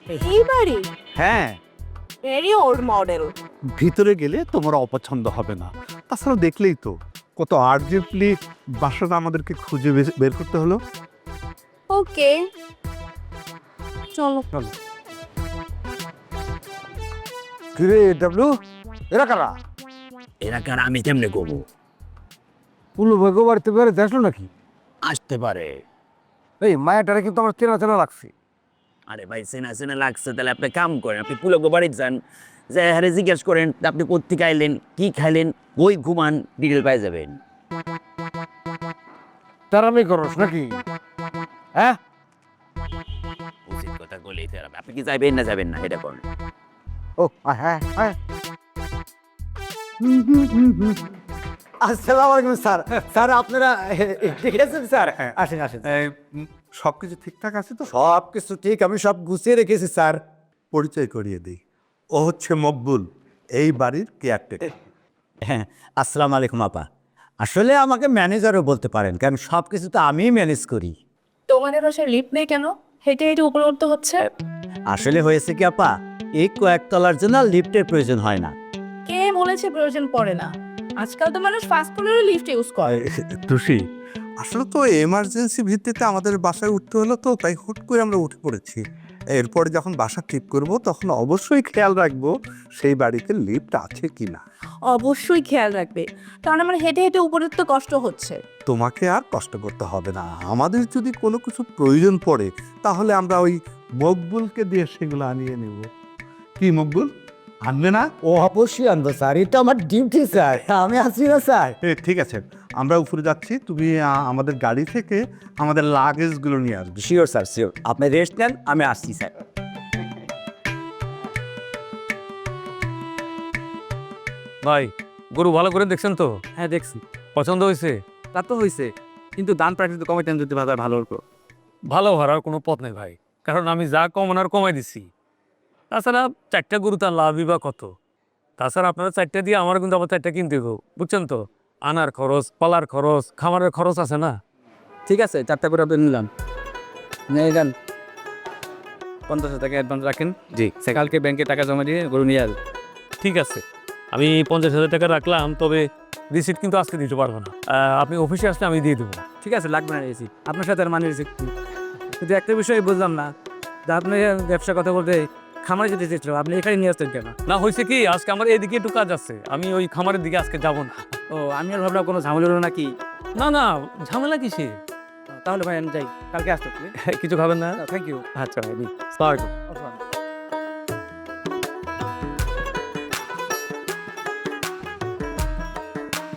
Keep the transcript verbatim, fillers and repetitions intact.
এই বাড়ি হ্যাঁ, ভেরি ওল্ড মডেল। ভিতরে গেলে তোমার অপছন্দ হবে না। তাছাড়া দেখলেই তো কত আর্জেন্টলি বাসাটা আমাদেরকে খুঁজে বে- বের করতে হলো। ওকে, চলো। কিরে ডাবলু, এরা কারা? এরা কার আমি কেমনে করবো? পুলু ভাগ্য বাড়িতে বেড়ে আসলো নাকি? আসতে পারে। এই মায়াটারে কিন্তু আমার চেনা চেনা লাগছে। আরে ভাই চেনা চেনা লাগছে, তাহলে আপনি কাম করেন, আপনি পুলক বাড়িতে যান, যে হ্যাঁ জিজ্ঞেস করেন আপনি কোথেকে আইলেন, কি খাইলেন, ওই ঘুমান, ডিটেল পাই যাবেন। তারামি করস নাকি? হ্যাঁ, উচিত কথা বলেই তো এরা- আপনি কি যাবেন না যাবেন না এটা করেন। ও আয়, হ্যাঁ হ্যাঁ। আসসালামু আলাইকুম স্যার। স্যার আপনারা ঠিক আছেন স্যার? আসেন আসেন। সব কিছু ঠিকঠাক আছে তো? সব কিছু ঠিক, আমি সব গুছিয়ে রেখেছি স্যার। পরিচয় করিয়ে দিই, ও হচ্ছে মকবুল, এই বাড়ির কেয়ারটেকার। হ্যাঁ, আসসালামু আলাইকুম আপা। আসলে আমাকে ম্যানেজারও বলতে পারেন, কারণ সব কিছু তো আমিই ম্যানেজ করি। তোমাদের বাসায় লিফট নেই কেন? হেঁটে হেঁটে উপরে উঠতে হচ্ছে। আসলে হয়েছে কি আপা, এই কয়েকতলার জন্য লিফটের প্রয়োজন হয় না। কে বলেছে প্রয়োজন পড়ে না? আজকাল তো মানুষ ফাস্ট ফুডেরও লিফট ইউজ করে। তুষি, আসলে তো এমার্জেন্সি ভিত্তিতে আমাদের বাসায় উঠতে হলো, তো তাই হুট করে আমরা উঠে পড়েছি। এরপরে যখন বাসা ঠিক করব তখন অবশ্যই খেয়াল রাখবো সেই বাড়িতে লিফট আছে কিনা। অবশ্যই খেয়াল রাখবে, কারণ আমার হেঁটে হেঁটে উপরে উঠতে কষ্ট হচ্ছে। তোমাকে আর কষ্ট করতে হবে না। আমাদের যদি কোনো কিছু প্রয়োজন পড়ে তাহলে আমরা ওই মকবুলকে দিয়ে সেগুলো আনিয়ে নেব। কি মকবুল, আনবে না? ও অবশ্যই আনবো স্যার, এটা আমার ডিউটি স্যার, আমি আছি না স্যার। এ, ঠিক আছে, আমরা উপরে যাচ্ছি, তুমি আ, আমাদের গাড়ি থেকে আমাদের লাগেজগুলো নিয়ে আসবে। Sure sir, sure. আপনি রেস্ট নেন, আমি আসছি স্যার। ভাই, গরু ভালো করে দেখছেন তো? হ্যাঁ দেখছি, পছন্দ হয়েছে? তা তো হয়েছে, কিন্তু দান প্রাকৃতিক তো কমাইতেন যদি বাজার ভালো হতো। ভালো হওয়ার কোনো পথ নেই ভাই, কারণ আমি যা কমানোর কমাই দিছি। তাছাড়া চারটা গরু তার লাভই বা কত? তাছাড়া আপনারা চারটা দিয়ে আমার কিন্তু আবার চারটা কিনতে দেবো, বুঝছেন তো? আনার খরচ, পালার খরচ, খামারের খরচ আছে না? ঠিক আছে, চারটা করে আপনি নিলাম। নিয়ে যান, পঞ্চাশ হাজার টাকা অ্যাডভান্স রাখেন। জি, সে কালকে ব্যাংকে টাকা জমা দিয়ে গরু নিয়ে আসবে। ঠিক আছে, আমি পঞ্চাশ হাজার টাকা রাখলাম, তবে রিসিট কিন্তু আজকে দিতে পারবো না। আহ, আপনি অফিসে আসলে আমি দিয়ে দেবো। ঠিক আছে, লাগবে না রেসি, আপনার সাথে আর মানে রেসি। কিন্তু একটা বিষয় বুঝলাম না, যে আপনি ব্যবসার কথা বলতে খামারে যেতে চেয়েছিল, আপনি এখানে নিয়ে আসতেন কেন? না, হয়েছে কি, আজকে আমার এদিকে একটু কাজ আছে, আমি ওই খামারের দিকে আজকে যাব না। ও, আমি আর ভাবলাম কোনো ঝামেলা হলো নাকি। না না, ঝামেলা কিসে? তাহলে ভাই আমি যাই, কালকে আসতে। কিছু খাবেন না? Thank you. আচ্ছা ভাই, সালামালাইকুম। আচ্ছা।